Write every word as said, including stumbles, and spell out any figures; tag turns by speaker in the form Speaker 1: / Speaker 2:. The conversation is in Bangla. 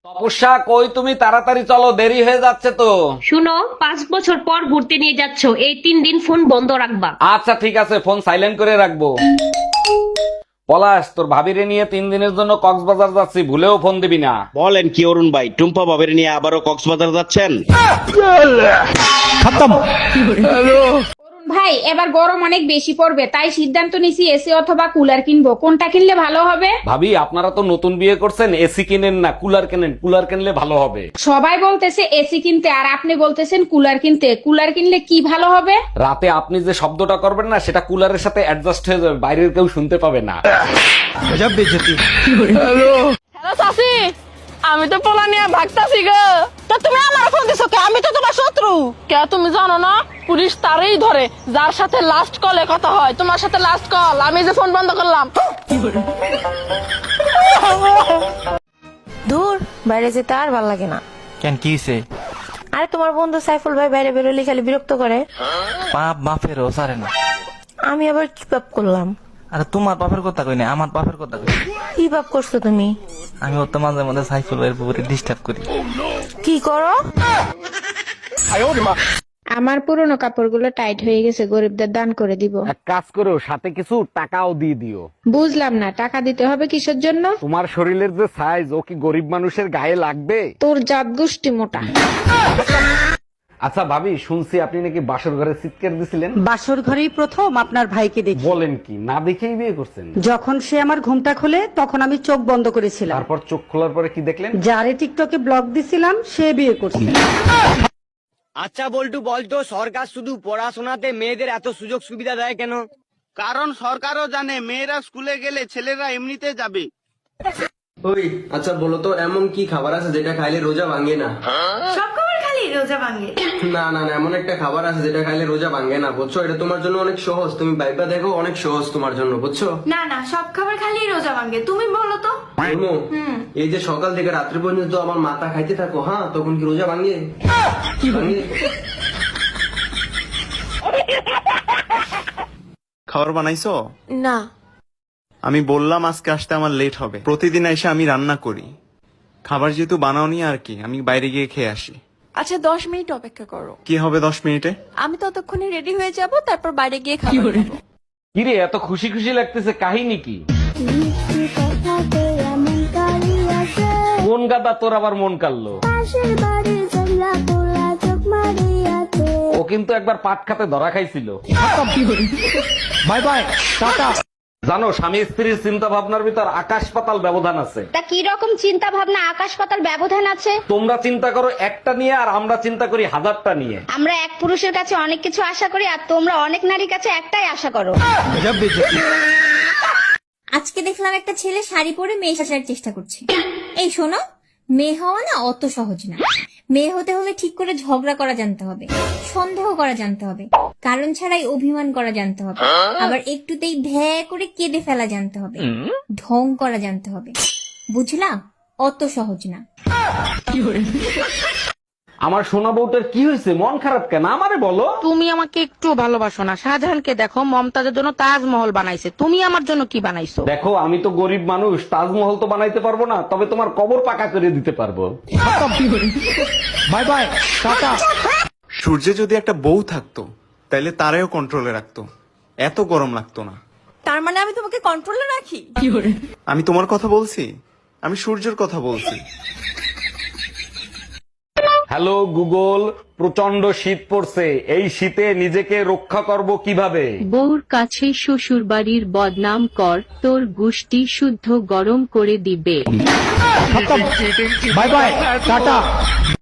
Speaker 1: তপস্যা, কই তুমি? তাড়াতাড়ি চলো, দেরি হয়ে যাচ্ছে তো।
Speaker 2: শুনো, পাঁচ বছর পর ঘুরতে নিয়ে যাচ্ছ, এই তিন দিন ফোন বন্ধ রাখবা।
Speaker 1: আচ্ছা ঠিক আছে, ফোন সাইলেন্ট করে রাখবো। পলাশ, তোর ভাবিরে নিয়ে তিন দিনের জন্য কক্সবাজার যাচ্ছি, ভুলেও ফোন দিবি না।
Speaker 3: বলেন কি অরুণ ভাই, টুম্পা বাবের নিয়ে আবারও কক্সবাজার যাচ্ছেন?
Speaker 4: ভাই এবার গরম অনেক বেশি পড়বে, তাই সিদ্ধান্ত নিছি এসি অথবা কুলার কিনবো। কোনটা কিনলে ভালো হবে?
Speaker 1: ভাবি, আপনারা তো নতুন বিয়ে করছেন, এসি কিনেন না, কুলার কেনেন। কুলার কিনলে ভালো হবে।
Speaker 4: সবাই বলতেছে এসি কিনতে, আর আপনি বলতেছেন কুলার কিনতে। কুলার কিনলে কি ভালো হবে?
Speaker 1: রাতে আপনি যে শব্দটা করবেন না, সেটা কুলারের সাথে অ্যাডজাস্ট হয়ে যাবে, বাইরের কেউ শুনতে পাবে না।
Speaker 5: হ্যালো চাচি, আমি তো পোলা নিয়ে ভাগতাছি গো। তো তুমি আমার ফোন দিছো কে? আমি তো তোমার শত্রু। কে তুমি জানো না, পুলিশ তারই ধরে যার সাথে লাস্ট কলে কথা হয়। তোমার সাথে লাস্ট কল, আমি যে ফোন বন্ধ করলাম।
Speaker 6: দূর, বাইরে যেতে আর ভাল লাগে না।
Speaker 7: কেন, কি হইছে?
Speaker 6: আরে তোমার বন্ধু সাইফুল ভাই বাইরে বেরোলে খালি বিরক্ত করে।
Speaker 7: পাপ বাপেরও সারে না।
Speaker 6: আমি আবার কি পাপ করলাম?
Speaker 7: আরে তোমার বাপের কথা কই না, আমার বাপের কথা কই।
Speaker 6: কি পাপ করছো তুমি?
Speaker 7: আমি ওর তো মাঝে মাঝে সাইফুল ভাইয়ের পুকুরে ডিস্টার্ব করি।
Speaker 6: কি করো?
Speaker 4: আমার পুরনো কাপড়গুলো টাইট হয়ে গেছে, গরিবদের দান করে দিব।
Speaker 1: এক কাজ করো, সাথে কিছু টাকাও দিয়ে দিও।
Speaker 4: বুঝলাম না, টাকা দিতে হবে কিসের জন্য?
Speaker 1: তোমার শরীরের যে সাইজ, ও কি গরিব মানুষের গায়ে লাগবে?
Speaker 4: তোর জাত গোষ্ঠী মোটা।
Speaker 1: আচ্ছা ভাবি, শুনছি আপনি নাকি বাসর ঘরে চিৎকার দিছিলেন।
Speaker 8: বাসর ঘরেই প্রথম আপনার ভাইকে দেখি।
Speaker 1: বলেন কি, না দেখেই বিয়ে করছেন?
Speaker 8: যখন সে আমার ঘুমটা খোলে তখন আমি চোখ বন্ধ করেছিলাম।
Speaker 1: তারপর চোখ খোলার পরে কি দেখলেন?
Speaker 8: যারে টিকটকে ব্লগ দিছিলাম সে বিয়ে করছে।
Speaker 3: আচ্ছা বল্টু, বলতো সরকার শুধু পড়াশোনাতে মেয়েদের এত সুযোগ সুবিধা দেয় কেন?
Speaker 9: কারণ সরকারও জানে মেয়েরা স্কুলে গেলে ছেলেরা এমনিতে যাবে।
Speaker 10: ওই আচ্ছা বলো তো, এমন কি খাবার আছে যেটা খাইলে রোজা ভাঙে না?
Speaker 6: সব খাবার খালি রোজা ভাঙে?
Speaker 10: না না না, এমন একটা খাবার আছে যেটা খাইলে রোজা ভাঙে না, বুঝছো? এটা তোমার জন্য অনেক সহজ, তুমি বাইবা দেখো, অনেক সহজ তোমার জন্য, বুঝছো?
Speaker 6: না না, সব খাবার খালি রোজা ভাঙে, তুমি বলো তো।
Speaker 10: বলবো? এই যে সকাল থেকে রাত্রি পর্যন্ত আমার মাথা খাইতে থাকো, হ্যাঁ, তখন কি রোজা ভাঙে? ভাঙে?
Speaker 9: খাবার বানাইছো?
Speaker 6: না।
Speaker 9: আমি বললাম আজকে আসতে আমার লেট হবে। প্রতিদিন এসে আমি রান্না করি। খাবার যেহেতু বানাওনি, আর কি, আমি বাইরে গিয়ে খেয়ে আসি।
Speaker 5: আচ্ছা দশ মিনিট অপেক্ষা করো।
Speaker 9: কি হবে দশ মিনিটে?
Speaker 5: আমি ততক্ষণে রেডি হয়ে যাব, তারপর বাইরে গিয়ে খাবো।
Speaker 1: কিরে, এত খুশি খুশি লাগতেছে, কাহিনী কি? কোন গাদা তোর আবার মন কাড়লো? ও কিন্তু একবার পাট খাতে ধরা খাইছিল। Bye bye, tata. জানো, স্বামী স্ত্রীর চিন্তা ভাবনার ভিতর আকাশ পাতাল ব্যবধান আছে।
Speaker 4: তা কি রকম চিন্তা ভাবনা আকাশ পাতাল ব্যবধান আছে?
Speaker 1: তোমরা চিন্তা করো একটা নিয়ে, আর আমরা চিন্তা করি হাজারটা নিয়ে।
Speaker 4: আমরা এক পুরুষের কাছে অনেক কিছু আশা করি, আর তোমরা অনেক নারীর কাছে একটাই আশা করো।
Speaker 11: আজকে দেখলাম একটা ছেলে শাড়ি পরে মেয়ে সাজার চেষ্টা করছে। এই শোনো, মেয়ে হওয়া না অত সহজ না। মেয়ে হতে হলে ঠিক করে ঝগড়া করা জানতে হবে, সন্দেহ করা জানতে হবে, কারণ ছাড়াই অভিমান করা জানতে হবে, আবার একটুতেই ভ্যা করে কেঁদে ফেলা জানতে হবে, ঢং করা জানতে হবে। বুঝলা? অত সহজ না।
Speaker 1: আমার সোনা বউটার কি হয়েছে? মন খারাপ কেন? আমারে বলো।
Speaker 8: তুমি আমাকে একটু ভালোবাসো না? শাহজাহানকে দেখো, মমতাজের জন্য তাজমহল বানাইছে, তুমি আমার জন্য কি বানাইছো?
Speaker 1: দেখো, আমি তো গরিব মানুষ, তাজমহল তো বানাইতে পারবো না, তবে তোমার কবর পাকা করে দিতে পারবো।
Speaker 9: By bye, tata. সূর্যে যদি একটা বউ থাকতো, তাইলে তারেও কন্ট্রোলে রাখতো, এত গরম লাগতো না।
Speaker 5: তার মানে আমি তোমাকে কন্ট্রোলে রাখি?
Speaker 9: আমি তোমার কথা বলছি? আমি সূর্যের কথা বলছি।
Speaker 1: হ্যালো গুগল, প্রচন্ড শীত পড়ছে, এই শীতে নিজেকে রক্ষা করব কিভাবে?
Speaker 2: বউর কাছে শ্বশুর বাড়ির বদনাম কর, তোর গুষ্টি শুদ্ধ গরম করে দিবে।
Speaker 1: Bye bye, tata.